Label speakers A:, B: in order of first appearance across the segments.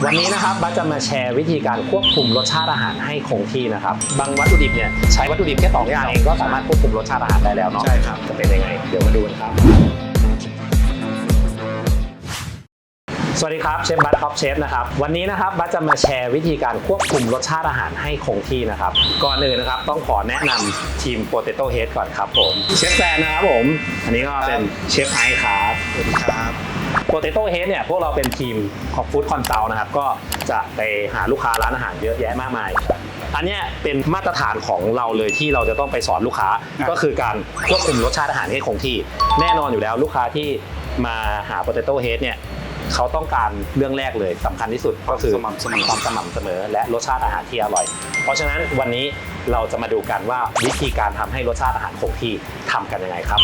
A: วันนี้นะครับบัสจะมาแชร์วิธีการควบคุมรสชาติอาหารให้คงที่นะครับบางวัตถุดิบเนี่ยใช้วัตถุดิบแค่2อย่างเองก็สามารถควบคุมรสชาติอาหารได้แล้วเนาะใช่ครับจะเป็นยังไงเดี๋ยวมาดูกันครับสวัสดีครับเชฟบัสท็อปเชฟนะครับวันนี้นะครับบัสจะมาแชร์วิธีการควบคุมรสชาติอาหารให้คงที่นะครับก่อนอื่นนะครับต้องขอแนะนำทีม Potato Head ก่อนครับผมเชฟแซนนะครับผมอันนี้ก็เป็นเชฟไอซ์ครับสวัสดีครับ Potato Head เนี่ยพวกเราเป็นทีมของ Food Consult นะครับก็จะไปหาลูกค้าร้านอาหารเยอะแยะมากมายอันนี้เป็นมาตรฐานของเราเลยที่เราจะต้องไปสอนลูกค้าก็คือการควบคุมรสชาติอาหารให้คงที่แน่นอนอยู่แล้วลูกค้าที่มาหา Potato Head เนี่ยเขาต้องการเรื่องแรกเลยสำคัญที่สุดก็คือความสม่ำเสมอและรสชาติอาหารที่อร่อยเพราะฉะนั้นวันนี้เราจะมาดูกันว่าวิธีการทำให้รสชาติอาหารคงที่ทำกันยังไงครับ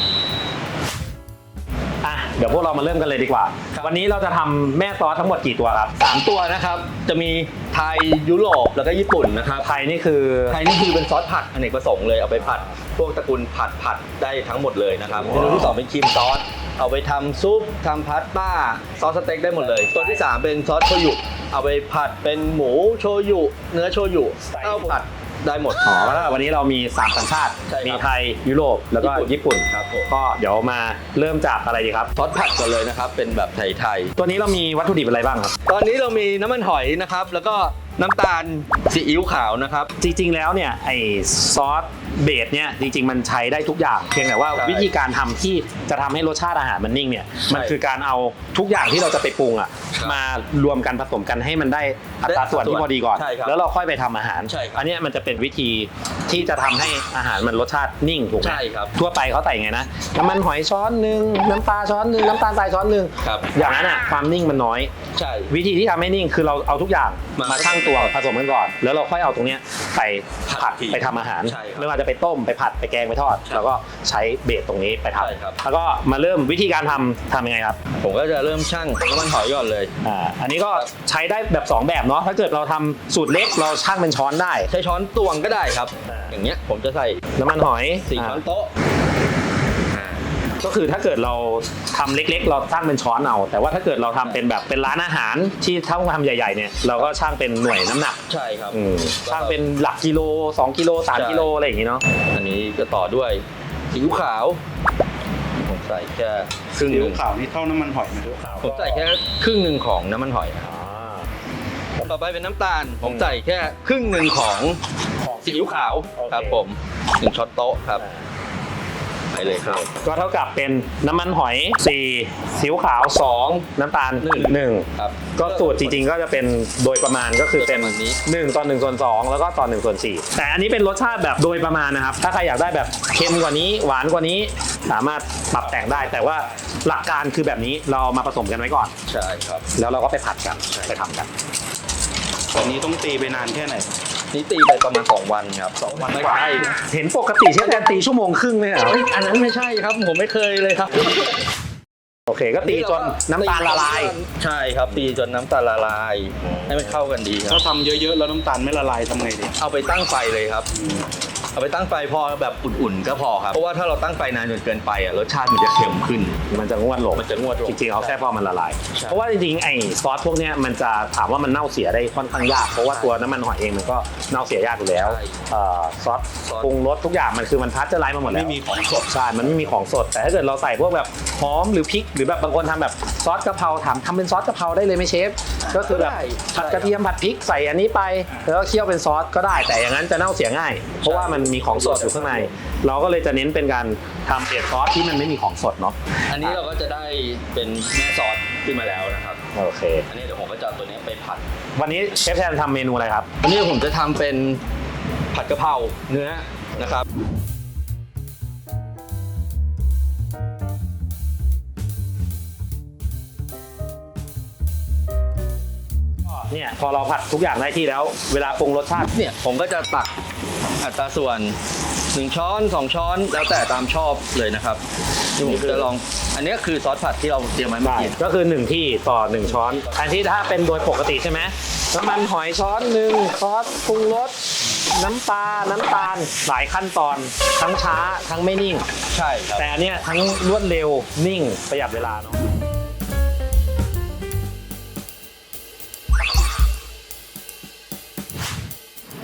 A: เดี๋ยวพวกเรามาเริ่มกันเลยดีกว่าวันนี้เราจะทำแม่ซอสทั้งหมดกี่ตัวครับ
B: 3 ตัวนะครับจะมีไทยยุโรปแล้วก็ญี่ปุ่นนะครับ
A: ไทยนี่คือ
B: เป็นซอสผัดอเนกประสงค์เลยเอาไปผัดพวกตระกูลผัดได้ทั้งหมดเลยนะครับเมนูที่2เป็นครีมซอสเอาไปทำซุปทำพาสต้าซอสสเต็กได้หมดเลยตัวที่3เป็นซอสโชยุเอาไปผัดเป็นหมูโชยุเนื้อโชยุเอาผัดได้หมด
A: แล้ววันนี้เรามี3สัญชาติมีไทยยุโรปแล้วก็ญี่ปุ่น
B: ครับ
A: ก็เดี๋ยวมาเริ่มจากอะไรดีครับ
B: ซอสผัดก่อนเลยนะครับเป็นแบบไทย
A: ตัวนี้เรามีวัตถุดิบอะไรบ้างครับ
B: ตอนนี้เรามีน้ำมันหอยนะครับแล้วก็น้ำตาลซีอิ๊วขาวนะครับ
A: จริงๆแล้วเนี่ยไอซอสเบสเนี่ยจริงๆมันใช้ได้ทุกอย่างเพียงแต่ว่าวิธีการทำที่จะทำให้รสชาติอาหารมันนิ่งเนี่ยมันคือการเอาทุกอย่างที่เราจะไปปรุงอ่ะมารวมกันผสมกันให้มันได้อัตราส่วนที่พอดีก่อนแล้วเราค่อยไปทำอาหารอันนี้มันจะเป็นวิธีที่จะทำให้อาหารมันรสชาตินิ่งถูกไหมทั่วไปเขาใส่ไงนะน้ำมันหอยช้อนนึงน้ำปลาช้อนนึงน้ำตาลทรายช้อนนึงอย่างนั้นอ่ะความนิ่งมันน้อยวิธีที่ทำให้นิ่งคือเราเอาทุกอย่างมาชั่งตัวผสมกันก่อนแล้วเราค่อยเอาตรงนี้ไปผัดไปทำอาหารไม่ว่าจะไปต้มไปผัดไปแกงไปทอดแล้วก็ใช้เบสตรงนี้ไปทำแล้วก็มาเริ่มวิธีการทำยังไงครับ
B: ผมก็จะเริ่มชั่งน้ำมันหอยก่อนเลย
A: อันนี้ก็ใช้ได้แบบ2แบบเนาะถ้าเกิดเราทำสูตรเล็กเราชั่งเป็นช้อนได้
B: ใช้ช้อนตวงก็ได้ครับอย่างเงี้ยผมจะใส่
A: น้ำมันหอย
B: 4 ช้อนโต๊ะ
A: ก็คือถ้าเกิดเราทำเล็กๆเราชั่งเป็นช้อนเอาแต่ว่าถ้าเกิดเราทำเป็นแบบเป็นร้านอาหารที่ถ้าทำใหญ่ๆเนี่ยเราก็ชั่งเป็นหน่วยน้ำหนัก
B: ใช่ครับ
A: ชั่งเป็นหลักกิโล2 กิโล3 กิโลอะไรอย่างงี้เนาะ
B: อันนี้ก็ต่อด้วยซีอิ๊วขาวผมใส่แค่ครึ่งนึง
C: ซีอิ๊วขาวนี่เท่าน้ำมันหอยไหมซีอิ๊วขาว
B: ผมใส่แค่ครึ่งนึงของน้ำมันหอยต่อไปเป็นน้ำตาลผมใส่แค่ครึ่งนึงของซีอิ๊วขาวครับผม1 ช้อนโต๊ะครับไปเลยครับ
A: ก็เท่ากับเป็นน้ำมันหอย4ซีอิ๊วขาว2น้ำตาล1
B: ครับ
A: ก็สูตรจริงๆก็จะเป็นโดยประมาณก็คือเป็น1:1:2แล้วก็ต่อ1:4แต่อันนี้เป็นรสชาติแบบโดยประมาณนะครับถ้าใครอยากได้แบบเค็มกว่านี้หวานกว่านี้สามารถปรับแต่งได้แต่ว่าหลักการคือแบบนี้เรามาผสมกันไว้ก่อน
B: ใช่ครับ
A: แล้วเราก็ไปผัดกันไปทำกัน
C: วันนี้ต้องตีไปนานแค่ไหน
B: นี่ตีไปประมาณ2 วันครับ2 วัน
A: ไม่ใช่เห็นปกติเชฟแทนตี1.5 ชั่วโมงเลยเหรอ
B: อันนั้นไม่ใช่ครับผมไม่เคยเลยครับ
A: โอเคก็ตีจนน้ำตาลละลาย
B: ใช่ครับตีจนน้ำตาลละลายให้มันเข้ากันดีครับ
C: ถ้าทำเยอะๆแล้วน้ำตาลไม่ละลายทำไงดี
B: เอาไปตั้งไฟเลยครับเอาไปตั้งไฟพอแบบอุ่นๆก็พอครับเพราะว่าถ้าเราตั้งไฟนานจนเกินไปรสชาติมันจะเค็มขึ้น
A: มันจะงวดลงจริงๆเอาแค่พอมันละลายเพราะว่าจริงๆไอ้ซอสพวกนี้มันจะถามว่ามันเน่าเสียได้ค่อนข้างยากเพราะว่าตัวน้ำมันหอยเองมันก็เน่าเสียยากอยู่แล้วซอสปรุงรสทุกอย่างมันคือมันพัชเจอร์ไลซ์มาหมดแล้ว
C: ไม่มีของสด
A: ใช่มันไม่มีของสดแต่ถ้าเกิดเราใส่พวกแบบหอมหรือพริกหรือแบบบางคนทำแบบซอสกะเพราทำเป็นซอสกะเพราได้เลยไหมเชฟก็คือแบบผัดกระเทียมผัดพริกใส่อันนี้ไปแล้วก็เคี่ยวเป็นซอสก็ได้แต่อย่างนั้นจะเน่าเสียง่ายเพราะว่ามันมีของสดอยู่ข้างในเราก็เลยจะเน้นเป็นการทำเปียกซอสที่มันไม่มีของสดเนาะ
B: อันนี้เราก็จะได้เป็นแม่ซอสขึ้นมาแล้วนะครับ
A: โอเค
B: อันนี้เดี๋ยวผมก็จะตัวนี้ไปผัด
A: วันนี้เชฟแทนทำเมนูอะไรครับ
B: วันนี้ผมจะทำเป็นผัดกะเพราเนื้อนะครับ
A: เนี่ยพอเราผัดทุกอย่างได้ที่แล้วเวลาปรุงรสชาติ
B: เนี่ยผมก็จะตักอัตราส่วน1 ช้อน2 ช้อนแล้วแต่ตามชอบเลยนะครับที่ผมจะลองอันนี้คือซอสผัดที่เราเตรียมไว้เมื่อกี้
A: ก็คือ1 ที่ต่อ1 ช้อนอันที่ถ้าเป็นโดยปกติใช่ไหมน้ำมันหอยช้อน1ซอสปรุงรสน้ำปลาน้ำตาลหลายขั้นตอนทั้งช้าทั้งไม่นิ่ง
B: ใช่ครับ
A: แต่อันเนี้ยทั้งรวดเร็วนิ่งประหยัดเวลาเนาะ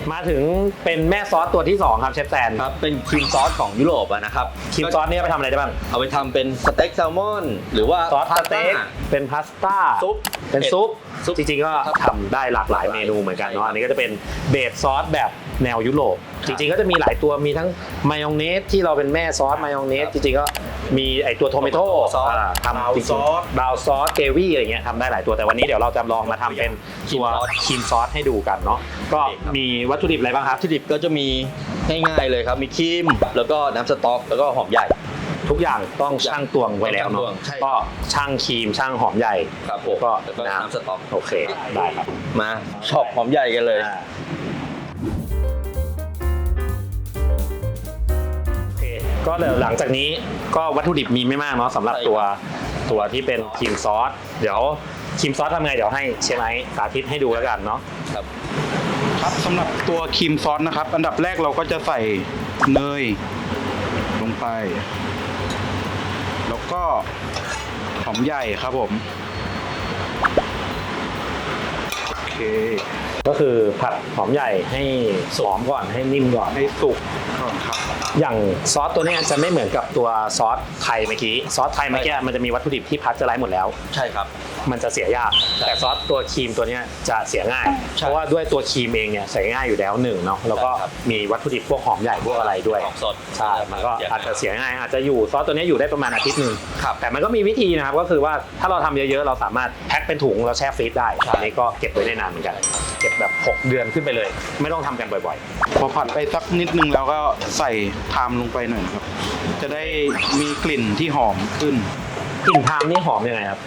A: มาถึงเป็นแม่ซอสตัวที่สองครับเชฟแซน
B: ครับเป็นครีมซอสของยุโรปอะนะครับ
A: ครีมซอสนี่เอาไปทำอะไรได้บ้าง
B: เอาไปทำเป็นสเต็กแซลมอนหรือว่า
A: ซอสสเต็กเป็นพาสต้า
B: ซุป
A: เป็นซุป
B: ซุป
A: จริงๆก็ทำได้หลากหลายเมนูเหมือนกันเนาะอันนี้ก็จะเป็นเบสซอสแบบแนวยุโรปจริงๆก็จะมีหลายตัวมีทั้งมายองเนสที่เราเป็นแม่ซอสมายองเนสจริงๆก็มีไอตัวโทเมโต้ทำจริงๆบราวน์ซอสเกวี่อะไรเงี้ยทำได้หลายตัวแต่วันนี้เดี๋ยวเราจะลองมาทำเป็นตัวครีมซอสให้ดูกันเนาะก็มีวัตถุดิบอะไรบ้างครับ
B: วัตถุดิบก็จะมีง่ายๆเลยครับมีครีมแล้วก็น้ำสต๊อกแล้วก็หอมใหญ่
A: ทุกอย่างต้องชั่งตวงไว้แล้วเนาะ
B: ใช่
A: ก็ชั่งครีมชั่งหอมใหญ่
B: ครับผม
A: ก็
B: แล้วก็
A: น้
B: น้ำสต๊อก
A: ำโอเคได้ครับ
B: มาช็อปหอมใหญ่กันเลย
A: โอเคก็เดี๋ยวหลังจากนี้ก็วัตถุดิบมีไม่มากเนาะสำหรับ
B: ใช่ครับ
A: ตัวที่เป็นครีมซอสเดี๋ยวครีมซอสทำไงเดี๋ยวให้เชฟไอซ์สาธิตให้ดูแล้วกันเนาะ
B: ครับ
C: ครับสำหรับตัวครีมซอสนะครับ อันดับแรกเราก็จะใส่เนยลงไป แล้วก็หอมใหญ่ครับผมโอเค
A: ก็คือผัดหอมใหญ่ให้หอมก่อนให้นิ่มก่อน
C: ให้สุกก่อนครับ
A: อย่างซอสตัวเนี้ยจะไม่เหมือนกับตัวซอสไทยเมื่อกี้ซอสไทยเมื่อกี้มันจะมีวัตถุดิบที่พัชเจอร์ไลซ์หมดแล้ว
B: ใช่ครับ
A: มันจะเสียยากแต่ซอสตัวครีมตัวเนี้ยจะเสียง่าย
B: ใช่
A: เพราะว่าด้วยตัวครีมเองเนี่ยใส่ง่ายอยู่แล้วหนึ่งเนาะแล้วก็
B: ใช่ครับ
A: มีวัตถุดิบพวกหอมใหญ่พวกอะไรด้วย
B: ของสด
A: ใช่มันก็อาจจะเสียง่ายอาจจะอยู่ซอสตัวเนี้ยอยู่ได้ประมาณอาทิตย์หนึ่ง
B: ครับ
A: แต่มันก็มีวิธีนะครับก็คือว่าถ้าเราทำเยอะๆเราสามารถแพ็คเป็นถุงแล้วแช่ฟรีซได้
B: ใช่
A: อันนี้ก็เก็บไว้ได้นานเหมือนกันเก็บแบบ6 เดือนขึ้นไปเลย ไม่ต้องทำกันบ่อย
C: พอผัดไปสักนิดนึงแล้วก็ใส่ไทม์ลงไปหน่อยครับ จะได้มีกลิ่นที่หอมขึ้น
A: ๆกลิ่นไทม์นี่หอมยังไงครับ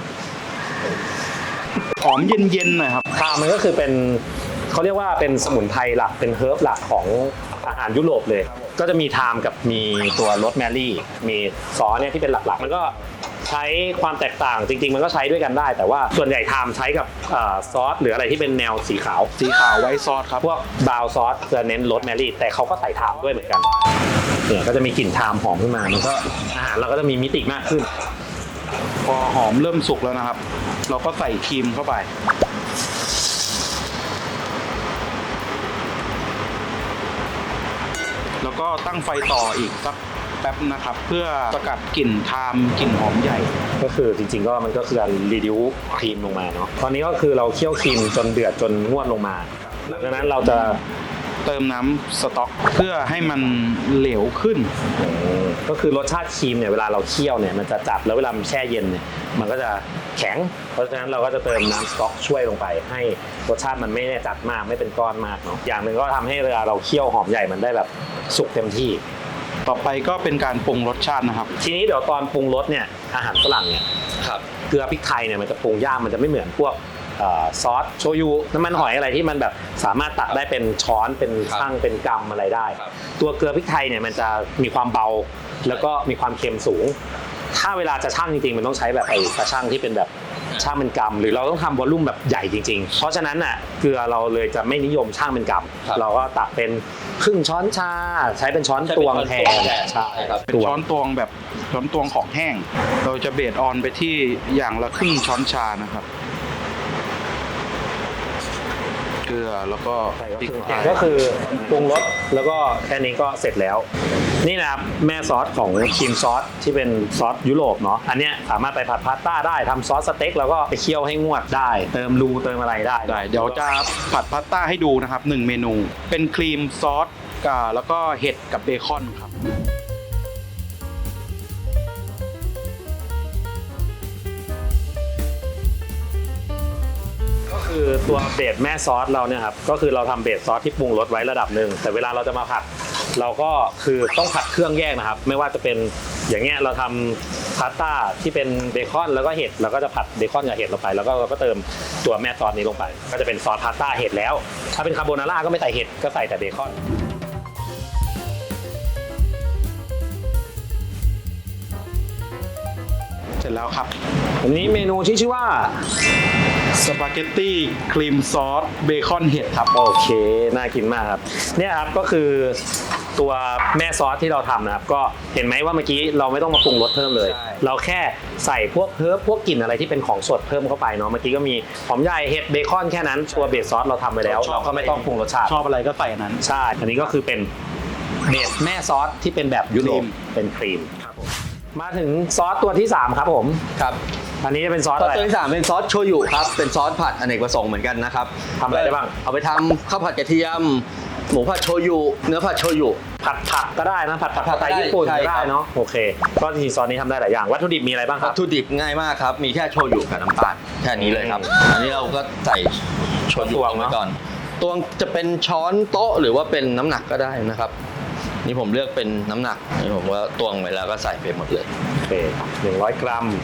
C: หอมเย็นๆหน่อยครับ
A: ไทม์มันก็คือเป็นเขาเรียกว่าเป็นสมุนไพรหลักเป็นเฮิร์บหลักของอาหารยุโรปเลย ก็จะมีไทม์กับมีตัวโรสแมรี่มีซอสเนี่ยที่เป็นหลักๆ มันก็ใช้ความแตกต่างจริงๆ มันก็ใช้ด้วยกันได้ แต่ว่าส่วนใหญ่ไทม์ใช้กับซอสหรืออะไรที่เป็นแนวสีขาว
C: สีขาวไว้ซอสครับ
A: พวกบราวน์ซอสจะเน้นโรสแมรี่แต่เขาก็ใส่ไทม์ด้วยเหมือนกันเนี่ยก็จะมีกลิ่นไทม์หอมขึ้นมามันก็อาหารเราก็จะมีมิติมากขึ้น
C: พอหอมเริ่มสุกแล้วนะครับ เราก็ใส่ครีมเข้าไป แล้วก็ตั้งไฟต่ออีกสักแป๊บนะครับ เพื่อสกัดกลิ่นไทม์กลิ่นหอมใหญ่
A: ก็คือจริงๆก็มันก็คือการรีดิวครีมลงมาเนาะตอนนี้ก็คือเราเคี่ยวครีมจนเดือดจนงวดลงมาหลังจากนั้นเราจะ
C: เติมน้ำสต๊อกเพื่อให้มันเหลวขึ้น
A: ก็คือรสชาติครีมเนี่ยเวลาเราเคี่ยวเนี่ยมันจะจัดแล้วเวลามันแช่เย็นเนี่ยมันก็จะแข็งเพราะฉะนั้นเราก็จะเติมน้ำสต๊อกช่วยลงไปให้รสชาติมันไม่ได้จัดมากไม่เป็นก้อนมากเนาะอย่างหนึ่งก็ทำให้เวลาเราเคี่ยวหอมใหญ่มันได้แบบสุกเต็มที่
C: ต่อไปก็เป็นการปรุงรสชาตินะครับ
A: ทีนี้เดี๋ยวตอนปรุงรสเนี่ยอาหารฝรั่งเนี่ย
B: ครับ
A: เกลือพริกไทยเนี่ยมันจะปรุงยากมันจะไม่เหมือนพวกซอสโชยุน้ำมันหอยอะไรที่มันแบบสามารถตักได้เป็นช้อนเป็น
B: ครับ
A: ชั่งเป็นกำอะไรได้
B: ครับ
A: ตัวเกลือพริกไทยเนี่ยมันจะมีความเบาแล้วก็มีความเค็มสูง ถ้าเวลาจะชั่งจริงๆมันต้องใช้แบบไอ้ตาชั่งที่เป็นแบบชั่งเป็นกำหรือเราต้องทำวอลลุ่มแบบใหญ่จริงๆ เพราะฉะนั้นน่ะเกลือเราเลยจะไม่นิยมชั่งเป็นก
B: ครับ
A: ำเราก็ตักเป็นครึ่งช้อนชาใช้เป็นช้อนตวงแทนใช่
B: ครับ
C: เป็นช้อนตวงแบบช้อนตวงของแห้ง เราจะเบสออนไปที่อย่างละครึ่งช้อนชานะครับ เกลือแล้วก็พริกไทย
A: ก็คือปรุงรสแล้วก็แค่นี้ก็เสร็จแล้ว นี่นะครับแม่ซอสของครีมซอสที่เป็นซอสยุโรปเนาะอันเนี้ยสามารถไปผัดพาสต้าได้ทำซอสสเต็กแล้วก็ไปเคี่ยวให้งวดได้ เติมรูเติมอะไรได้
C: ได้เดี๋ยวจะผัดพาสต้าให้ดูนะครับ1เมนู เป็นครีมซอสกับแล้วก็เห็ดกับเบคอนครับ
A: ก็คือตัวเบสแม่ซอสเราเนี่ยครับก็คือเราทำเบสซอสที่ปรุงรสไว้ระดับหนึ่งแต่เวลาเราจะมาผัดเราก็คือต้องผัดเครื่องแยกนะครับ ไม่ว่าจะเป็นอย่างเงี้ยเราทำพาสต้าที่เป็นเบคอนแล้วก็เห็ดเราก็จะผัดเบคอนกับเห็ดลงไปแล้วก็เราก็เติมตัวแม่ซอสนี้ลงไป ก็จะเป็นซอสพาสต้าเห็ดแล้ว ถ้าเป็นคาโบนาร่าก็ไม่ใส่เห็ดก็ใส่แต่เบคอน
C: เสร็จแล้วครับ
A: อันนี้เมนูที่ชื่อว่า
C: สปาเกตตี้ครีมซอสเบคอนเห็ดครับ
A: โอเคน่ากินมากครับเนี่ยครับก็คือตัวแม่ซอสที่เราทำนะครับก็เห็นไหมว่าเมื่อกี้เราไม่ต้องมาปรุงรสเพิ่มเลย
B: ใช่
A: เราแค่ใส่พวกเฮิร์บพวกกลิ่นอะไรที่เป็นของสดเพิ่มเข้าไปเนาะเมื่อกี้ก็มีหอมใหญ่เห็ดเบคอนแค่นั้นตัวเบสซอสเราทำไปแล้วเราก็ไม่ต้องปรุงรสชาติ
C: ชอบอะไรก็ใส่อันนั้น
A: ใช่อันนี้ก็คือเป็นเบสแม่ซอสที่เป็นแบบยุโรป
C: ครีม
A: เป็นครีมมาถึงซอสตัวที่ 3 ครับผม
B: ครับ
A: อันนี้จะเป็นซอส
B: ซอ
A: อะ
B: ส
A: ไร
B: ตัวที่3เป็นซอสโชยุครับเป็นซอสผัดอเนกประสงค์เหมือนกันนะครับ
A: ทำอะไรได้บ้าง
B: เอาไปทำข้าวผัดกระเทียม หมูผัดโชยุเนื้อผัดโชยุ
A: ผัดผักก็ได้นะผัดผัก
B: ผัด
A: สไตล์
B: ได้
A: ญี่ปุ่น
B: ใช่
A: ก็ได้
B: ครับ
A: เนาะโอเคก็จริงๆซอสนี้ทำได้หลายอย่างวัตถุดิบมีอะไรบ้างค
B: วั
A: รั
B: ต
A: บ
B: ถุดิบง่ายมากครับ มีแค่โชยุกับน้ำตาลแค่นี้เลยครับ อันนี้เราก็ใส่โชยุ
A: ตวง
B: ลงไป
A: เนอะ
B: ก่อนตวงจะเป็นช้อนโต๊ะหรือว่าเป็นน้ำหนักก็ได้นะครับ นี่ผมเลือกเป็นน้ำหนักนี่ผมว่าตวงไปแล้วก็ใส่ไปหมดเลย
A: โอเค100 กรัม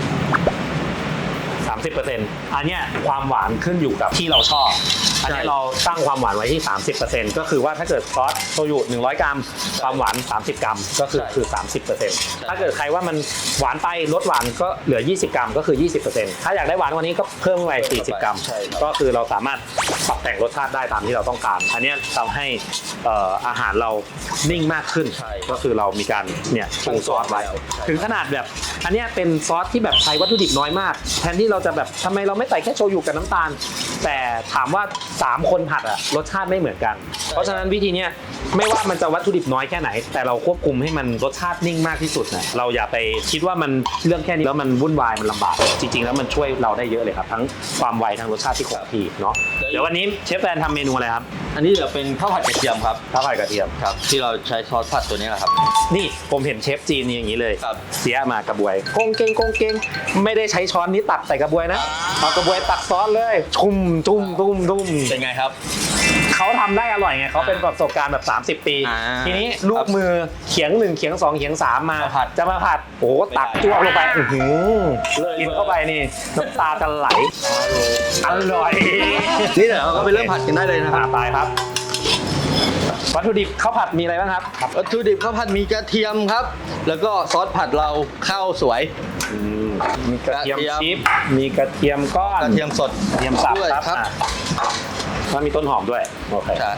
A: 30%อันเนี้ยความหวานขึ้นอยู่กับที่เราชอบ อันนี้เราตั้งความหวานไว้ที่ 30%ก็คือว่าถ้าเกิดซอสโชยุ100 กรัม ความหวาน 30 กรัมก็คือ 30%ถ้าเกิดใครว่ามันหวานไปลดหวานก็เหลือ 20 กรัมก็คือ 20%ถ้าอยากได้หวานกว่านี้ก็เพิ่มไป40 กรัม
B: ใช่ครับ
A: ก็คือเราสามารถปรับแต่งรสชาติได้ตามที่เราต้องการ อันเนี้ยทำให้อาหารเรานิ่งมากขึ้น
B: ใช่
A: ก็คือเรามีการเนี่ยปรุงซอสไว้
B: ใช่
A: ถึงขนาดแบบอันเนี้ยเป็นซอสที่แบบใช้วัตถุดิบน้อยมาก แทนที่เราจะแบบทำไมเราไม่ใส่แค่โชยุกับน้ำตาล แต่ถามว่า 3 คนผัดอะรสชาติไม่เหมือนกัน เพราะฉะนั้นวิธีเนี้ยไม่ว่ามันจะวัตถุดิบน้อยแค่ไหน แต่เราควบคุมให้มันรสชาตินิ่งมากที่สุดนะเราอย่าไปคิดว่ามันเรื่องแค่นี้แล้วมันวุ่นวายมันลำบากจริงๆแล้วมันช่วยเราได้เยอะเลยครับทั้งความไวทั้งรสชาติที่คงที่เนาะเดี๋ยววันนี้เชฟแฟนทำเมนูอะไรครับ
B: อันนี้จะเป็นข้าวผัดกระเทียมครับ
A: ข้าวผัดกระเทียม
B: ครับ ที่เราใช้ซอสผัดตัวนี้แหละครับ
A: นี่ผมเห็นเชฟจีนนี่อย่างนี้เลย
B: ครับ
A: เสียมากระบวยกงเกงกงเกงไม่ได้ใช้ช้อนนี้ตักใส่กระบวยนะเอากระบวยตักซอสเลยชุ่มตุ้มตุ้มตุ้ม
B: เป็นไงครับ
A: เขาทำได้อร่อยไงเขาเป็นประสบการณ์แบบ30 ปี
B: อ่า
A: ทีนี้ลูกมือเขียง1เขียง2เขียง3มา
B: มาผัด
A: จะมาผัดโอ้ตักจ้วงลงไปอื้อหือ
B: เลย
A: กินเข้าไปนี่น้ำตาจะไหลอร่อย
B: นี่เดี๋ยวเราก็ไปเริ่มผัดกันได้เลยนะครับ
A: ไปครับ วัตถุดิบข้าวผัดมีอะไรบ้างครับ
B: วัตถุดิบข้าวผัดมีกระเทียมครับ แล้วก็ซอสผัดเราข้าวสวย
A: มีกระเทียม
B: กระเทียม
A: ชิปมีกระเทียมก้อน
B: กระเทียมสด
A: กระเทียมสับ
B: ด้วย
A: ครับ
B: ครับ
A: แล้วมีต้นหอมด้วยโอเค
B: ใช่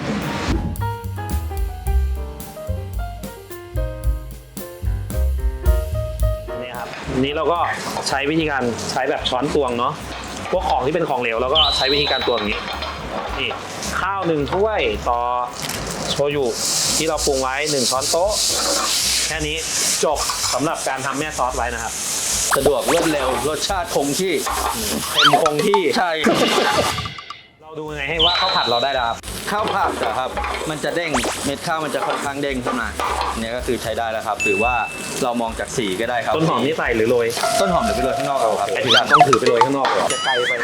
A: นี่ครับนี่เราก็ใช้วิธีการใช้แบบช้อนตวงเนาะพวกของที่เป็นของเหลวเราก็ใช้วิธีการตวงอย่างนี้นี่ข้าว1ถ้วยต่อโชยุที่เราปรุงไว้1ช้อนโต๊ะแค่นี้จบสำหรับการทำแม่ซอสไว้นะครับ
B: สะดวกรวดเร็วรสชาติคงที่
A: เต็มคงที่
B: ใช่
A: เราดูยังไงให้ว่าข้าวผัดเราได้แล้วครับ
B: ข้าวผัดอะครับ มันจะเด้งเม็ดข้าวมันจะค่อนข้างเด้งขึ้นมาเนี่ยก็คือใช้ได้แล้วครับ หรือว่าเรามองจากสีก็ได้ครับ
A: ต้นหอมนี่ใส่หรือโรย
B: ต้นหอมเดี๋ยวไปโรยข้างนอกเอาครับ
A: ไอ้ถึงต้องถือไปโรยข้างนอกเหรอจะไกลไป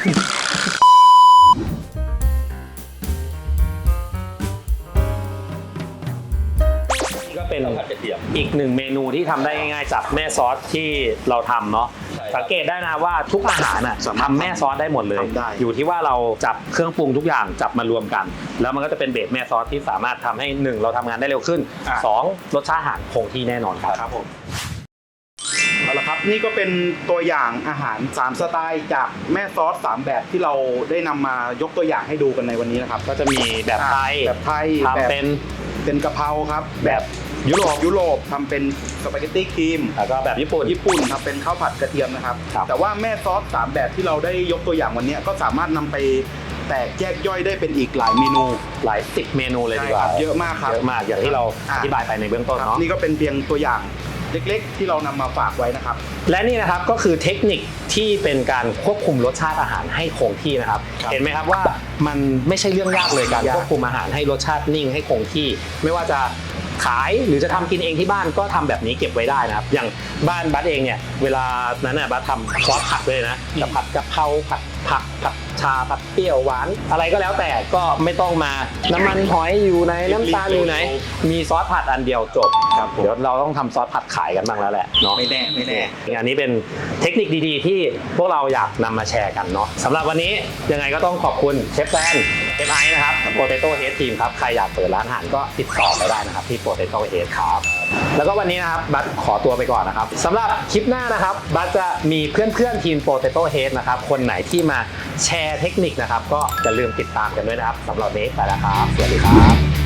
A: นี่ก็เป็น
B: ข้าวผัดกระเทียม
A: อีกหนึ่งเมนูที่ทำได้ง่ายๆจากแม่ซอสที่เราทำเนาะ
B: ใช่ครับ
A: สังเกตได้นะว่าทุกอาหารน่ะทำแม่ซอสได้หมดเลย
C: ทำได้
A: อยู่ที่ว่าเราจับเครื่องปรุงทุกอย่างจับมารวมกัน แล้วมันก็จะเป็นเบสแม่ซอสที่สามารถทำให้1เราทำงานได้เร็วขึ้น2รสชาติอาหารคงที่แน่นอนครับ
C: ครับผมเอาละครับนี่ก็เป็นตัวอย่างอาหาร 3 สไตล์จากแม่ซอส 3 แบบที่เราได้นำมายกตัวอย่างให้ดูกันในวันนี้นะครับ
A: ก็จะมีแบบไทย
C: แบบไทย
A: ทำเป็น
C: เป็นกะเพราครับ
A: แบบยุโรป
C: ทำเป็นสปาเกตตี้ครีม
A: แล้วก็แบบญี่ปุ่น
C: ญี่ปุ่นทำเป็นข้าวผัดกระเทียมนะครับ
A: ครับ
C: แต่ว่าแม่ซอส 3 แบบที่เราได้ยกตัวอย่างวันนี้ก็สามารถนำไปแตกแยกย่อยได้เป็นอีกหลายเมนู
A: หลาย10เมนูเลยดีกว่า
C: ใช่ครับเยอะมากครับ
A: เยอะมากอย่างที่เราอธิบายไปในเบื้องต้น
C: ครับ
A: เนาะ
C: นี่ก็เป็นเพียงตัวอย่างเล็กๆ ที่เรานำมาฝากไว้นะครับ
A: และนี่นะครับก็คือเทคนิคที่เป็นการควบคุมรสชาติอาหารให้คงที่นะครับ
C: ครับ
A: เห็นไหมครับว่ามันไม่ใช่เรื่องยากเลยการ
C: ยาก
A: ควบคุมอาหารให้รสชาตินิ่งให้คงที่ ไม่ว่าจะขายหรือจะทำกินเองที่บ้านก็ทำแบบนี้เก็บไว้ได้นะครับ อย่างบ้านบัสเองเนี่ยเวลานั้นน่ะบัสทำซอสผัดเลยนะจะผัดกะเพราผัดผักผัดชาผัดเปรี้ยวหวานอะไรก็แล้วแต่ก็ไม่ต้องมาน้ำมันหอยอยู่ไหนน้ำตาลอยู่ไหนมีซอสผัดอันเดียวจบ
C: ครับผม
A: เดี๋ยวเราต้องทำซอสผัดขายกันบ้างแล้วแหละเนาะ
C: ไม่แน่ไม่แน่
A: อันนี้เป็นเทคนิคดีๆ ที่พวกเราอยากนำมาแชร์กันเนาะสำหรับวันนี้ยังไงก็ต้องขอบคุณเชฟแฟนเชฟไอซ์นะครับ Potato Head Team ครับใครอยากเปิดร้านอาหารก็ติดต่อไปได้นะครับที่ Potato Head ครับแล้วก็วันนี้นะครับบัสขอตัวไปก่อนนะครับสำหรับคลิปหน้านะครับบัสจะมีเพื่อนๆทีม Potato Head นะครับคนไหนที่มาแชร์เทคนิคนะครับก็อย่าลืมติดตามกันด้วยนะครับสำหรับวันนี้ไปแล้วครับสวัสดีครับ